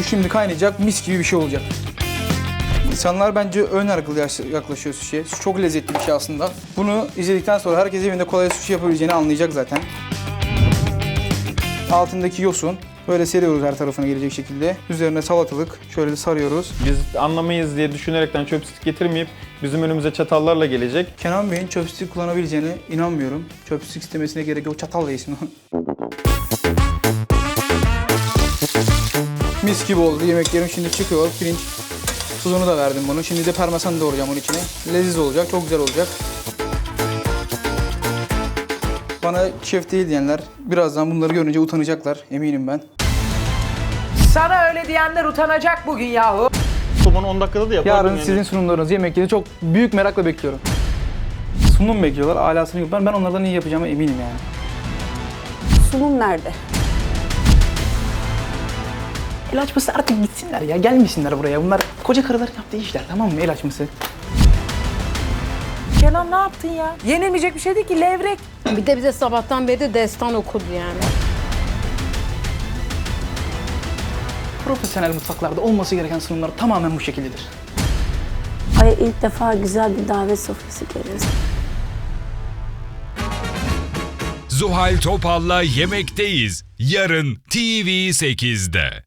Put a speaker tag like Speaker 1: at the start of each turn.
Speaker 1: Su şimdi kaynayacak, mis gibi bir şey olacak. İnsanlar bence ön yargılı yaklaşıyor sushi'ye. Su çok lezzetli bir şey aslında. Bunu izledikten sonra herkes evinde kolay sushi yapabileceğini anlayacak zaten. Altındaki yosun böyle seriyoruz her tarafına gelecek şekilde. Üzerine salatalık şöyle de sarıyoruz.
Speaker 2: Biz anlamayız diye düşünerekten chopstick getirmeyip bizim önümüze çatallarla gelecek.
Speaker 1: Kenan Bey'in chopstick kullanabileceğine inanmıyorum. Chopstick istemesine gerek yok. Çatalla yesin o. Mis gibi oldu. Yemeklerim şimdi çıkıyor. Pirinç tuzunu da verdim bunu. Şimdi de parmesan doğrayacağım onun içine. Leziz olacak, çok güzel olacak. Bana şef değil diyenler birazdan bunları görünce utanacaklar. Eminim ben.
Speaker 3: Sana öyle diyenler utanacak bugün yahu.
Speaker 2: Somonu 10 dakikada da yapardım
Speaker 1: Yarın
Speaker 2: yani.
Speaker 1: sizin sunumlarınız, yemekleri çok büyük merakla bekliyorum. Sunum bekliyorlar, alasını yapıyorum. Ben onlardan iyi yapacağıma eminim yani.
Speaker 4: Sunum nerede?
Speaker 1: El açması artık gitsinler ya, gelmesinler buraya. Bunlar koca karıların yaptığı işler, tamam mı? El açması.
Speaker 3: Kenan ne yaptın ya? Yenilmeyecek bir şey değil ki, levrek.
Speaker 5: Bir de bize sabahtan beri de destan okudu yani.
Speaker 1: Profesyonel mutfaklarda olması gereken sunumlar tamamen bu şekildedir.
Speaker 4: Ay ilk defa güzel bir davet sofrası görüyoruz.
Speaker 6: Zuhal Topal'la Yemekteyiz. Yarın TV8'de.